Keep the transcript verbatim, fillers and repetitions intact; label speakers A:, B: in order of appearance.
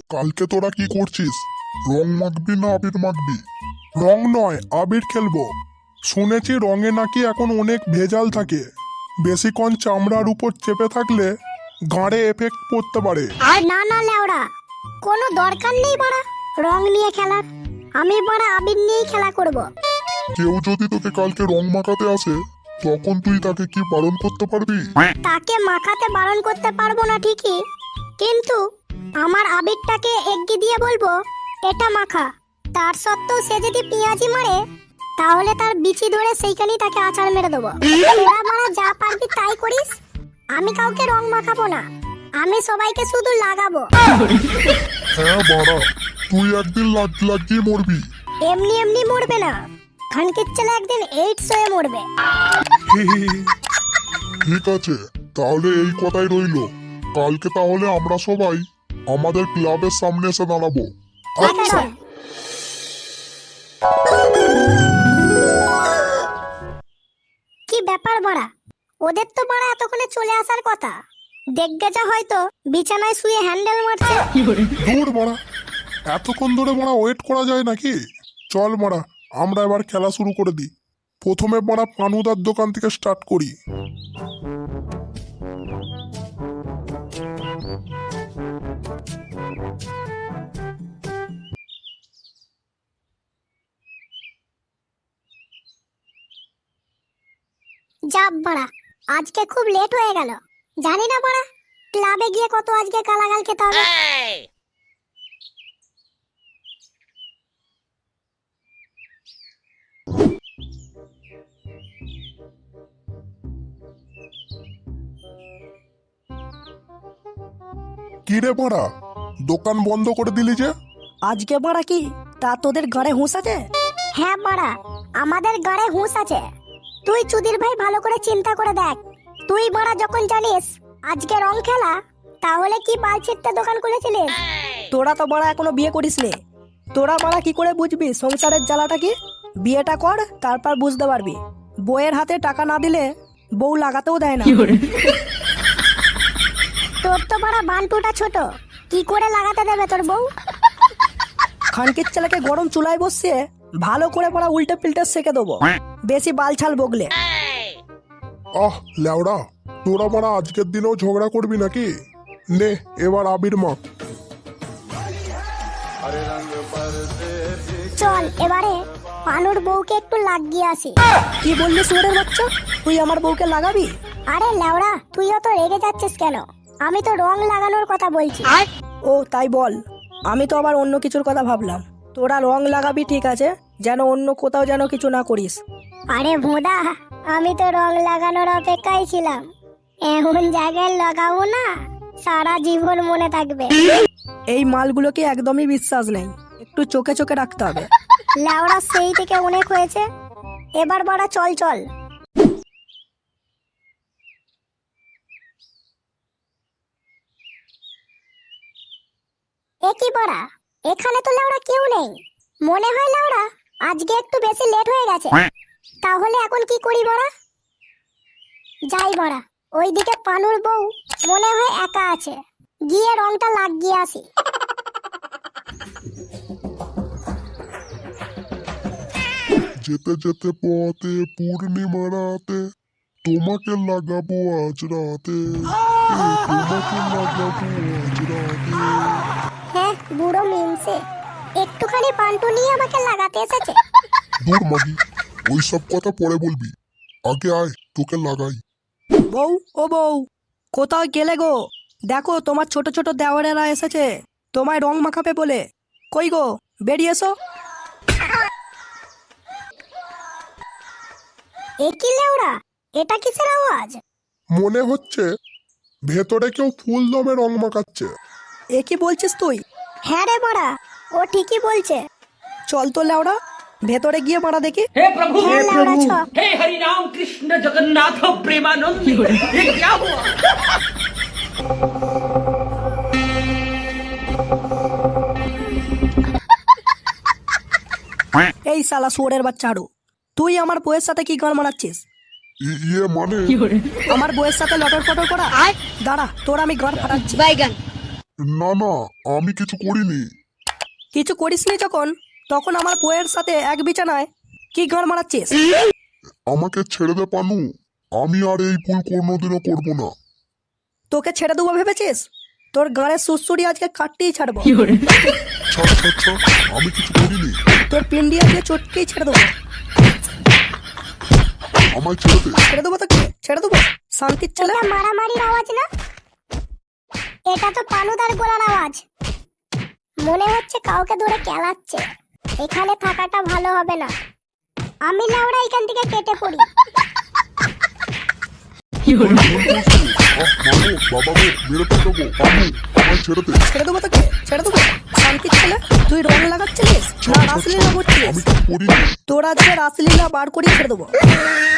A: কালকে তোরা কি করছিস? রং মাখবি না আবির মাখবি? রং নয়, আবির খেলবো। শুনেছি রঙে নাকি এখন অনেক ভেজাল থাকে, বেশিক্ষণ চামড়ার উপর চেপে থাকলে গাঁড়ে এফেক্ট পড়তে পারে।
B: আর না না লেওড়া, কোনো দরকার নেই বাড়া রং নিয়ে খেলার। আমি বাড়া আবির নিয়েই খেলা করব।
A: কেউ যদি তোকে কালকে রং মাখাতে আসে, তখন তুই তাকে কি বারণ করতে পারবি?
B: তাকে মাখাতে বারণ করতে পারবো না ঠিকই, কিন্তু আমার আবিরটাকে এগিয়ে দিয়ে বলবো এটা মাখা। তার সত্ত্বেও সে যদি পেঁয়াজি মারে, তাহলে তার বিচি ধরে সেইখানেই তাকে আছাড় মেরে দেবো। তোরা মারা যা পারবি তাই করিস, আমি কাউকে রং মাখাবো না, আমি সবাইকে শুধু লাগাবো।
A: হ্যাঁ বাড়া, তুই একদিন লাগ লাগিয়ে মরবি।
B: এমনি এমনি মরবে না, খানকির ছেলে একদিন এইডস হয়ে মরবে।
A: ঠিক আছে, তাহলে এই কথাই রইলো। কালকে তাহলে আমরা সবাই আমাদের ক্লাবের সামনে এসে দাঁড়াবো।
B: আচ্ছা। কি ব্যাপার বাড়া, ওদের তো বাড়া এতক্ষণে চলে আসার কথা। দেখবে যা হয়তো বিছানায় শুয়ে হ্যান্ডেল মারছে।
A: দূর মারা, এতক্ষণ ধরে মারা ওয়েট করা যায় নাকি? চল মারা, আমরা এবার খেলা শুরু করে দিই। প্রথমে মারা পানুদার দোকান থেকে স্টার্ট করি।
B: যাব বাড়া, আজকে খুব লেট হয়ে গেল। জানি না বাড়া ক্লাবে গিয়ে কত আজকে গালাগাল খেতে হবে।
A: কি রে মারা, দোকান বন্ধ করে দিলি যে?
C: আজকে বাড়া কি তা তোদের গাড়ে হুঁশ আছে?
B: হ্যাঁ বাড়া, আমাদের গাড়ে হুঁশ আছে। তুই চুদির ভাই ভালো করে চিন্তা করে দেখ। তুই বাড়া যখন জানিস আজকে রং খেলা, তাহলে কি বাল ছিটতে দোকান খুলেছিলিস?
C: তোরা তো বাড়া এখনো বিয়ে করিস নি, তোরা বাড়া কি করে বুঝবি সংসারের জ্বালাটা কি? বিয়েটা কর, তারপর বুঝতে পারবি। বউয়ের হাতে টাকা না দিলে বউ লাগাতেও দেয় না।
B: তোর তো বাড়া বান্টুটা ছোট, কি করে লাগাতে দেবে তোর বউ?
C: খানকির ছেলেকে গরম চুলায় বসিয়ে ভালো করে পড়া উল্টে পিল্টে সেকে দেবো, বেশি বালছাল বগলে।
A: আহ ল্যাওড়া, তোরা মারা আজকের দিনেও ঝগড়া করবি নাকি? নে এবার আবির মাখ।
B: চল এবারে পানুর বউকে একটু লাগিয়ে আসি।
C: কি বললি সুরের বাচ্চা, তুই আমার বউকে লাগাবি?
B: আরে লেওড়া, তুইও তো রেগে যাচ্ছিস কেন? আমি তো রং লাগানোর কথা বলছি।
C: ও তাই বল, আমি তো আবার অন্য কিছুর কথা ভাবলাম। তোরা রং লাগাবি ঠিক আছে, যেন অন্য কোথাও যেন কিছু না করিস।
B: আরে ভোদা, আমি তো রং লাগানোর অপেক্ষায় ছিলাম। এমন জায়গায় লাগাবো না সারা জীবন মনে থাকবে।
C: এই মালগুলোকে একদমই বিশ্বাস নেই, একটু চোখে চোখে রাখতে হবে।
B: লেওড়া সেই থেকে অনেক হয়েছে, এবার বড়া চল চল। এ কি বড়া, এখানে তো লেওড়া কেউ নেই। মনে হয় লেওড়া আজকে একটু বেশি লেট হয়ে গেছে। তাহলে এখন কি করি বড়া? যাই বড়া, ওইদিকে পানুর বউ মনে হয় একা আছে, গিয়ে রংটা লাগিয়ে আসি।
A: যেতে যেতে পথে পূর্ণিমা রাতে তোমাকে লাগাবো আজ রাতে, তোমাকে লাগাবো আজ রাতে।
B: হ্যাঁ বুড়ো মিমসে, একটুখানি পান্টু নিয়ে আমাকে লাগাতে এসেছে।
A: দূর মাগি, ওই সব কথা পরে বলবি, আগে আয় তোকে লাগাই।
C: বউ ও বউ, কোথাও গেলে গো? দেখো তোমার ছোট ছোট দেওয়ারেরা এসেছে তোমায় রং মাখাবে বলে। কই গো, বেরিয়ে এসো।
B: এ কি লেওড়া, এটা কিসের আওয়াজ?
A: মনে হচ্ছে ভেতরে কেউ ফুল দমে রং মাখাচ্ছে।
C: এ কি বলছিস তুই?
B: হ্যাঁ রে বড়া, ও ঠিকই বলছে।
C: চল তো লেওড়া, ভেতরে গিয়ে মারা দেখি।
D: हे प्रभु
B: হ্যাঁ লেওড়া ছ।
D: हे हरि राम कृष्ण जगन्नाथ प्रेमानंद, ये क्या हुआ?
C: এই শালা শুয়োরের বাচ্চা হাড়ু, তুই আমার বউয়ের সাথে কি গান মারাচ্ছিস?
A: ই- ইয়ে মানে
C: আমার বউয়ের সাথে লটর পটর করা? দাঁড়া, তোর আমি গান ফাটাচ্ছি।
A: না না, আমি কিছু করিনি।
C: কিছু করিসনি যখন, তখন আমার বউয়ের সাথে এক বিছানায় কি গাঁড় মারাচ্ছিস?
A: আমাকে ছেড়ে দে পানু, আমি আর এই ভুল কোনোদিনও করবো না।
C: তোকে ছেড়ে দেবো ভেবেছিস? তোর গাঁড়ের সুসুড়ি আজকে কাটতেই ছাড়বো।
A: ছাড় ছাড় ছাড়, আমি কিছু করিনি।
C: তোর পিন্ডি আজকে চটকেই ছেড়ে দেবো।
A: আমায় ছেড়ে দে।
C: ছেড়ে দেবো তোকে, ছেড়ে দেবো। শান্তির ছেলে।
B: এটা মারামারির আওয়াজ না, এটা তো পানুদার গলার আওয়াজ। মনে হচ্ছে কাউকে ধরে কেলাচ্ছে। এখানে থাকাটা ভালো হবে না, আমি লাউড়া এখান থেকে কেটে পড়ি।
A: ভুল করছি। আহ, মানো, বাবা গো, মেরে ফেলবো। পানু, আমায় ছেড়ে দে।
C: ছেড়ে দেবো তোকে, ছেড়ে দেবো। শান্তির ছেলে, তুই রং লাগাচ্ছিলিস না রাসলীলা করছিস?
A: আমি কিছু করিনি।
C: তোর আজকে রাসলীলা বার করেই ছেড়ে দেবো।